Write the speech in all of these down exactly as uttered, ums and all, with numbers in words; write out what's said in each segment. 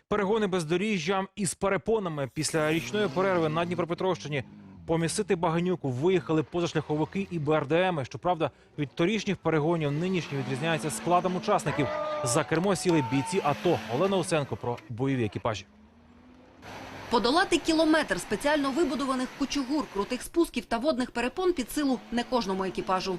Перегони бездоріжжям із перепонами. Після річної перерви на Дніпропетровщині помісити багнюку виїхали позашляховики і Б Р Д Еми. Щоправда, від торішніх перегонів нинішні відрізняються складом учасників. За кермо сіли бійці АТО. Олена Усенко про бойові екіпажі. Подолати кілометр спеціально вибудованих кучугур, крутих спусків та водних перепон під силу не кожному екіпажу.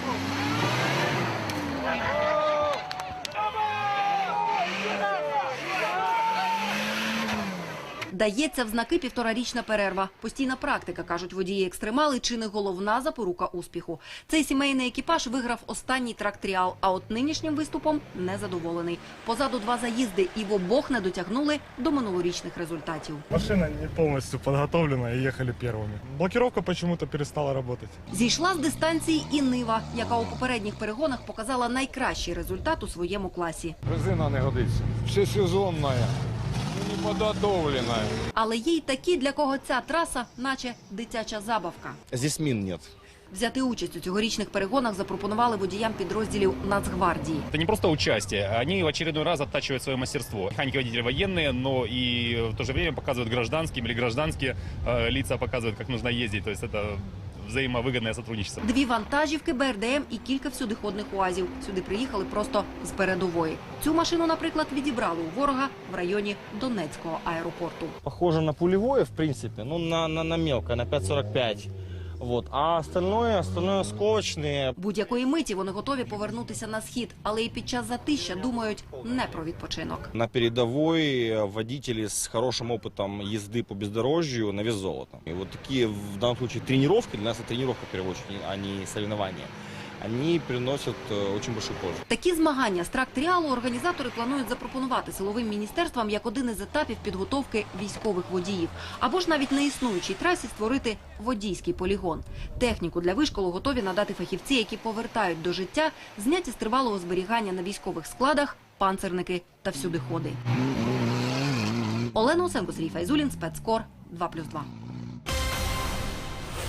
Дається в знаки півторарічна перерва. Постійна практика, кажуть водії-екстремали, чи не головна запорука успіху. Цей сімейний екіпаж виграв останній трак-тріал, а от нинішнім виступом незадоволений. Позаду два заїзди і в обох не дотягнули до минулорічних результатів. Машина не повністю підготовлена і їхали першими. Блокировка почему-то перестала працювати. Зійшла з дистанції і Нива, яка у попередніх перегонах показала найкращий результат у своєму класі. Резина не годиться. Всесезонна. Неподготовлена. Але є й такі, для кого ця траса наче дитяча забавка. Здесь мин нет. Взяти участь у цьогорічних перегонах запропонували водіям підрозділів Нацгвардії. Это не просто участие, они в очередной раз оттачивают свое мастерство. Механики-водители военные, но и в то же время показывают гражданским или гражданские э, лица показывают, как нужно ездить. То есть это взаимовыгодное сотрудничество. Дві вантажівки, Б Р Д Ем і кілька всюдиходних УАЗів. Сюди приїхали просто з передової. Цю машину, наприклад, відібрали у ворога в районі Донецького аеропорту. Похоже на пулевое, в принципе, ну на, на, на мелкое, на пять сорок пять. Вот. А остальное, остальное сковочные. Будь-якої миті вони готові повернутися на схід, але і під час затища думають не про відпочинок. На передовой водители с хорошим опытом езды по бездорожью на вес золота. И вот такие, в данном случае, тренировки, для нас это тренировка в первую очередь, а не соревнования. Они приносят очень большую пользу. Такі змагання з трак-тріалу організатори планують запропонувати силовим міністерствам як один із етапів підготовки військових водіїв. Або ж навіть на існуючій трасі створити водійський полігон. Техніку для вишколу готові надати фахівці, які повертають до життя зняті з тривалого зберігання на військових складах панцерники та всюдиходи. Олена Усенко, Сергій Файзулін, Спецкор, два плюс два.